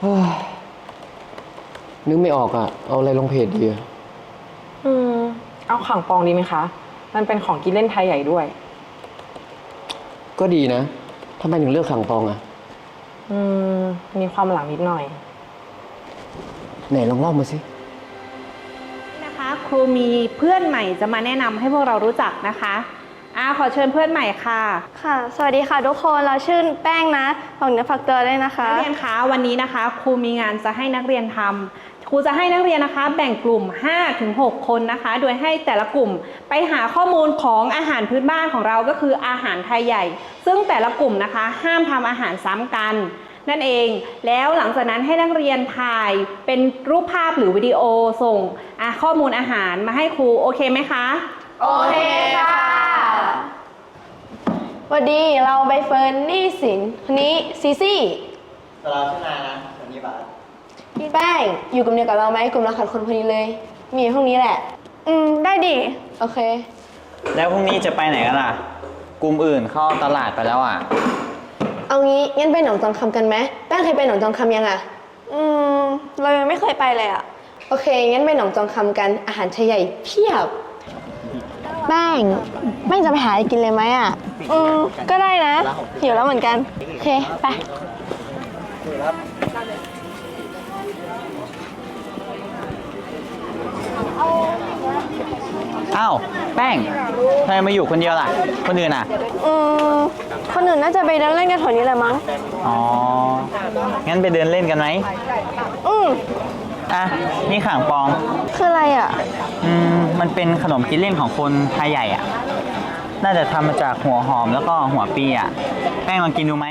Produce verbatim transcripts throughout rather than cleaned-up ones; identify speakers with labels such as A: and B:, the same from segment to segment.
A: นึกไม่ออกอ่ะ เอาอะไรลงเพจดีอะ
B: อืมเอาข่างปองดีไหมคะ มันเป็นของกินเล่นไทยใหญ่ด้วย
A: ก็ดีนะทำไมถึงเลือกขังปองอ่ะ
B: อืมมีความหลังนิดหน่อย
A: ไหนลองเล่ามาสิ
C: นะคะครูมีเพื่อนใหม่จะมาแนะนำให้พวกเรารู้จักนะคะอ่าขอเชิญเพื่อนใหม่ค่ะ
D: ค่ะ สวัสดีค่ะทุกคน เราชื่อแป้งนะฝากเนื้อฝากตัวด้วยนะคะ
C: นักเรียนคะวันนี้นะคะครูมีงานจะให้นักเรียนทำครูจะให้นักเรียนนะคะแบ่งกลุ่ม ห้าถึงหก คนนะคะ โดยให้แต่ละกลุ่มไปหาข้อมูลของอาหารพื้นบ้านของเราก็คืออาหารไทยใหญ่ ซึ่งแต่ละกลุ่มนะคะห้ามทำอาหารซ้ำกันนั่นเองแล้วหลังจากนั้นให้นักเรียนถ่ายเป็นรูปภาพหรือวิดีโอส่งข้อมูลอาหารมาให้ครูโอเคไหมคะ
D: โอเคค่ะสวัสดีเราใบเฟิร์นนี่สินคนนี้ซีซี่
E: เราชื่อนายนะวันนี้บาส
D: พี่แป้งอยู่กลุ่มเดียวกับเราไหมกลุ่มเราขาดคนพอดีเลย มีพวกนี้แหละอืมได้ดิโอเค
E: แล้วพรุ่งนี้จะไปไหนกันล่ะกลุ่มอื่นเข้าตลาดไปแล้วอ่ะ
D: เอางี้งั้นไปหนองจองคำกันไหมแป้งเคยไปหนองจองคำยังอ่ะอืมเรายังไม่เคยไปเลยอ่ะโอเคงั้นไปหนองจองคำกันอาหารไทยใหญ่เพียบแป้งแป้งจะไปหาอะไรกินเลยไหมอ่ะอืมก็ได้นะหิวแล้วเหมือนกันโอเคไป
E: อ้าวแป้งทำไมมาอยู่คนเดียวล่ะคนอื่นอ่ะ
D: อืมคนอื่นน่าจะไปเดินเล่นกันแถวนี้แหละมั้ง
E: อ๋องั้นไปเดินเล่นกันไหม
D: อืม
E: อ่ะนี่ข่างปอง
D: คืออะไรอ่ะ
E: อืมมันเป็นขนมกินเล่นของคนไทยใหญ่อ่ะน่าจะทำมาจากหัวหอมแล้วก็หัวปีอ่ะแป้งลองกินดูไหม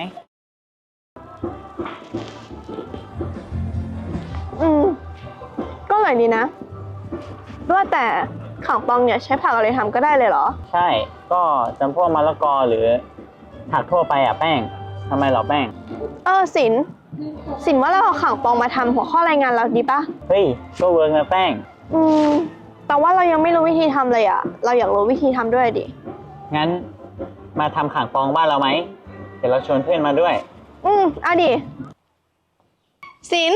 D: อืมก็อร่อยดีนะว่าแต่ข่างปองเนี่ยใช้ผักอะไรทำก็ได้เลยเหรอ
E: ใช่ก็จำพวกมะละกอหรือผักทั่วไปอ่ะแป้งทำไมเหรอแป้ง
D: เออสินสินว่าเราเอาข่างปองมาทำหัวข้อรายงานเราดีปะ
E: เฮ้ยก็เวิร์กนะแป้ง
D: อืมแต่ว่าเรายังไม่รู้วิธีทำเลยอ่ะเราอยากรู้วิธีทำด้วยดิ
E: งั้นมาทำข่างปองบ้านเราไหมเดี๋ยวเราชวนเพื่อนมาด้วย
D: อืมเอาดิสิน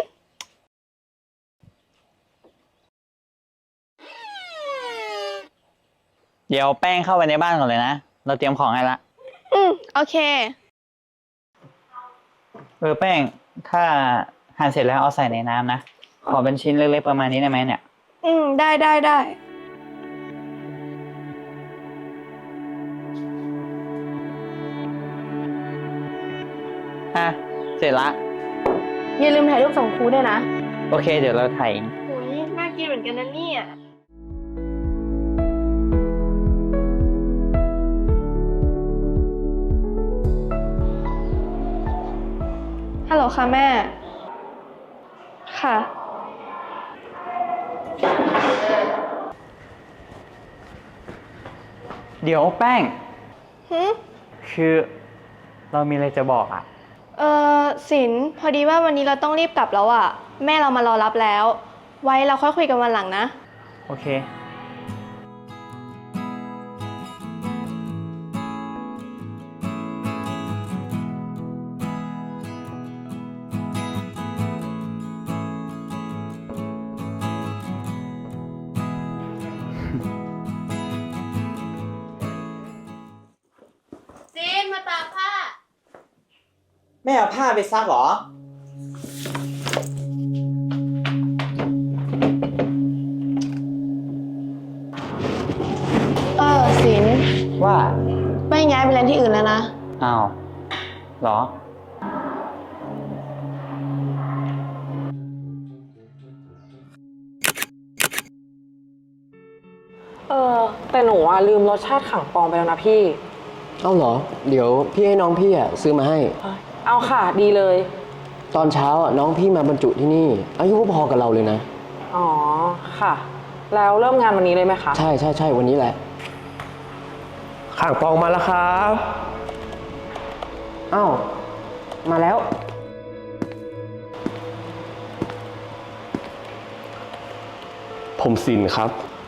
E: เดี๋ยวแป้งเข้าไปในบ้านก่อนเลยนะเราเตรียมของให้ละ
D: อืมโอเค
E: เออแป้งถ้าหั่นเสร็จแล้วเอาใส่ในน้ำนะขอเป็นชิ้นเล็กๆประมาณนี้ได้ไหมเนี่ย
D: อืมได้ได้ได้
E: อ่ะเสร็จละ
D: อย่าลืมถ่ายรูปส่งครูด้วยนะ
E: โอเคเดี๋ยวเราถ่าย
D: โอ้ยน่ากินเหมือนกันนะเนี่ยฮัลโหลค่ะแม่ค่ะ
E: เดี๋ยวแป้ง
D: หืม
E: คือเรามีอะไรจะบอกอ่ะ
D: เออสินพอดีว่าวันนี้เราต้องรีบกลับแล้วอ่ะแม่เรามารอรับแล้วไว้เราค่อยคุยกันวันหลังนะ
E: โอเค
D: สินมาตากผ้า
E: แม่เอาผ้าไปซักเหรอ
D: เออสิน
E: ว่า
D: ไม่ย้ายไปเรียนที่อื่นแล้วนะ
E: อ้าวเหรอ
B: เออแต่หนูอ่ะลืมรสชาติข่างปองไปแล้วนะพี่
A: เอาเหรอเดี๋ยวพี่ให้น้องพี่อ่ะซื้อมาให้
B: เอาค่ะดีเลย
A: ตอนเช้าอ่ะน้องพี่มาบรรจุที่นี่อายุพอกับเราเลยนะ
B: อ๋อค่ะแล้วเริ่มงานวันนี้เลยไหมคะ
A: ใช่ใช่ใช่วันนี้แหละข่างปองมาแล้วครับอ้าวมาแล้ว
F: ผมสินครับ